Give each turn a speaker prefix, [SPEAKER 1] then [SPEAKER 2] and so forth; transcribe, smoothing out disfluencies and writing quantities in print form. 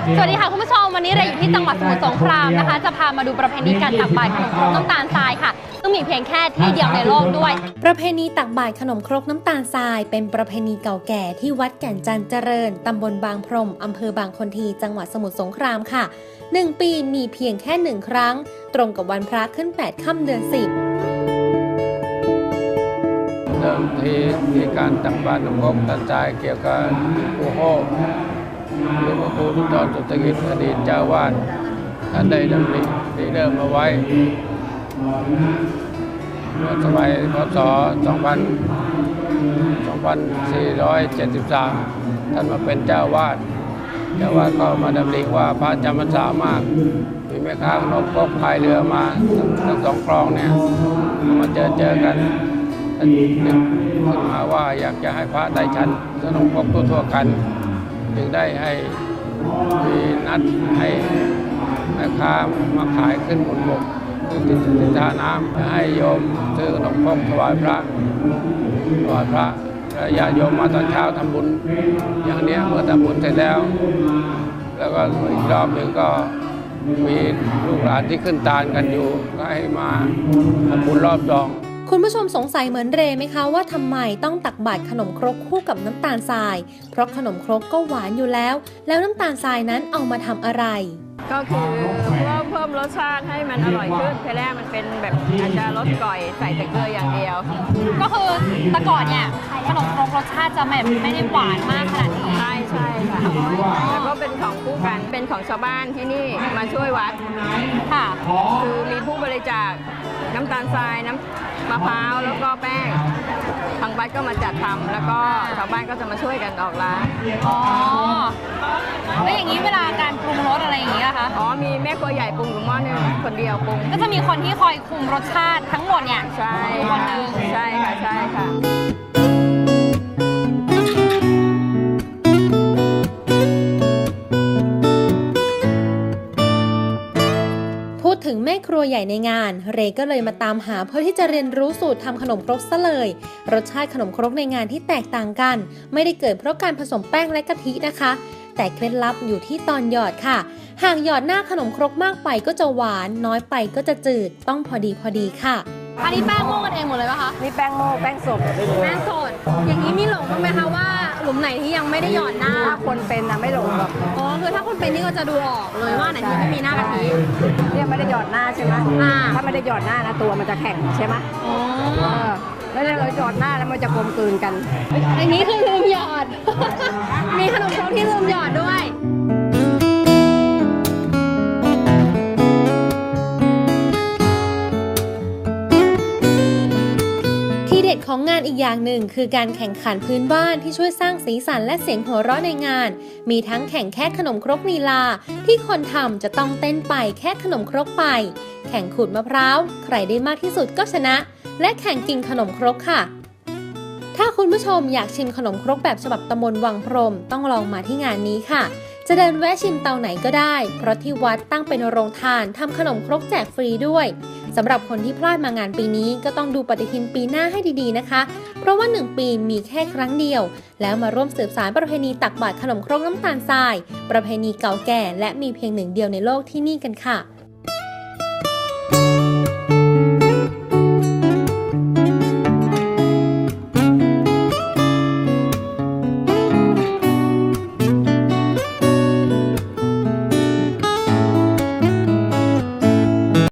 [SPEAKER 1] สวัสดีค่ะคุณผู้ชมวันนี้เราอยู่ที่จังหวัดสมุทรสงครามนะคะจะพามาดูประเพณีการตักบาตรขนมครกน้ำตาลทรายค่ะซึ่งมีเพียงแค่ที่เดียวในโลกด้วยประเพณีตักบาตรขนมครกน้ำตาลทรายเป็นประเพณีเก่าแก่ที่วัดแก่นจันทร์เจริญตำบลบางพรมอำเภอบางคนทีจังหวัดสมุทรสงครามค่ะ1 ปีมีเพียงแค่1 ครั้งตรงกับวันพระขึ้น8 ค่ำเดือน 10
[SPEAKER 2] เดิมทีมีการตักบาตรขนมครกน้ำตาลทรายเกี่ยวกับผู้โฮหลวงพ่อครูทุตรสุตกิจอดีตเจ้าวาดท่านได้ดำริเริ่มมาไว้เมื่อสมัยพ.ศ. 2473 ท่านมาเป็นเจ้าวาดก็มาดำริว่าพระจำพรรษามากมีแม่ค้าขนมครกพายเรือมาทั้งสองคลองเนี่ยมาเจอกันท่านนึกขึ้นมาว่าอยากจะให้พระได้ฉันขนมครกทั่วกันจึงได้ให้มีนัดให้แม่ค้ามาขายขึ้นบนบกคือติดท่าน้ำให้โยมซื้อขนมครกถวายพระญาติโยมมาตอนเช้าทำบุญอย่างนี้เมื่อทำบุญเสร็จแล้วก็อีกรอบหนึ่งก็มีลูกหลานที่ขึ้นตาลกันอยู่ก็ให้มาทำบุญรอบ2
[SPEAKER 1] คุณผู้ชมสงสัยเหมือนเรไหมคะว่าทำไมต้องตักบาตรขนมครกคู่กับน้ำตาลทรายเพราะขนมครกก็หวานอยู่แล้วน้ำตาลทรายนั้นเอามาทำอะไร
[SPEAKER 3] ก็คือเพิ่มรสชาติให้มันอร่อยขึ้นทีแรกมันเป็นแบบอาจจะรสก่อยใส่แต่เกลืออย่างเดียว
[SPEAKER 1] ก็คือแต่ก่อนเนี่ยขนมครกรสชาติจะแบบไม่ได้หวานมากขนาดนี้
[SPEAKER 3] ใช่ค่ะแล้วก็เป็นของคู่กันเป็นของชาวบ้านที่นี่มาช่วยวัด
[SPEAKER 1] ค่ะ
[SPEAKER 3] คือมีผู้บริจาคน้ำตาลทรายน้ำมะพร้าวแล้วก็แป้งทางวัดก็มาจัดทำแล้วก็ชาวบ้านก็จะมาช่วยกันออกร้าน
[SPEAKER 1] อ๋อแล้วอย่างนี้เวลาการปรุงรสอะไรอย่างนี้นะคะ
[SPEAKER 3] มีแม่ครัวใหญ่ปรุงอยู่หม้อนึงคนเดียวปรุง
[SPEAKER 1] ก็จะมีคนที่คอยคุมรสชาติทั้งหมดเนี่ย
[SPEAKER 3] ใช่
[SPEAKER 1] คนนึง
[SPEAKER 3] ใช่ค่ะ
[SPEAKER 1] พูดถึงแม่ครัวใหญ่ในงานเรก็เลยมาตามหาเพื่อที่จะเรียนรู้สูตรทำขนมครกซะเลยรสชาติขนมครกในงานที่แตกต่างกันไม่ได้เกิดเพราะการผสมแป้งและกะทินะคะแต่เคล็ดลับอยู่ที่ตอนหยอดค่ะหากหยอดหน้าขนมครกมากไปก็จะหวานน้อยไปก็จะจืดต้องพอดีค่ะอันนี้แป้งโม่กันเองหมดเลยป่ะคะ
[SPEAKER 3] นี่แป้งโม่แป้งสด
[SPEAKER 1] อย่างนี้มีหลงบ้างไหมคะว่าหลุมไหนที่ยังไม่ได้หยอดหน้า
[SPEAKER 3] คนเป็นนะไม่หลงหรอก
[SPEAKER 1] คือถ้าคนเป็นนี่ก็จะดูออกเลยว่าไหนที่ไม่มีหน้ากะทิ
[SPEAKER 3] เนี่ยไม่ได้หยอดหน้าใช่ไหมถ้าไม่ได้หยอดหน้านะตัวมันจะแข็งใช่ไหมแล้วเราหยอดหน้าแล้วมันจะกลมกลืนกัน
[SPEAKER 1] อันนี้คือลืมหยอด มีขนมครกที่ลืมหยอดด้วยที่เด็ดของงานอีกอย่างหนึ่งคือการแข่งขันพื้นบ้านที่ช่วยสร้างสีสันและเสียงหัวเราะในงานมีทั้งแข่งแค่ขนมครกลีลาที่คนทำจะต้องเต้นไปแค่ขนมครกไปแข่งขูดมะพร้าวใครได้มากที่สุดก็ชนะและแข่งกินขนมครกค่ะถ้าคุณผู้ชมอยากชิมขนมครกแบบฉบับตำบลวังพรมต้องลองมาที่งานนี้ค่ะจะเดินแวะชิมเตาไหนก็ได้เพราะที่วัดตั้งเป็นโรงทานทำขนมครกแจกฟรีด้วยสำหรับคนที่พลาดมางานปีนี้ก็ต้องดูปฏิทินปีหน้าให้ดีๆนะคะเพราะว่า1 ปีมีแค่ครั้งเดียวแล้วมาร่วมสืบสานประเพณีตักบาตรขนมครกน้ำตาลทรายประเพณีเก่าแก่และมีเพียง1 เดียวในโลกที่นี่กันค่ะ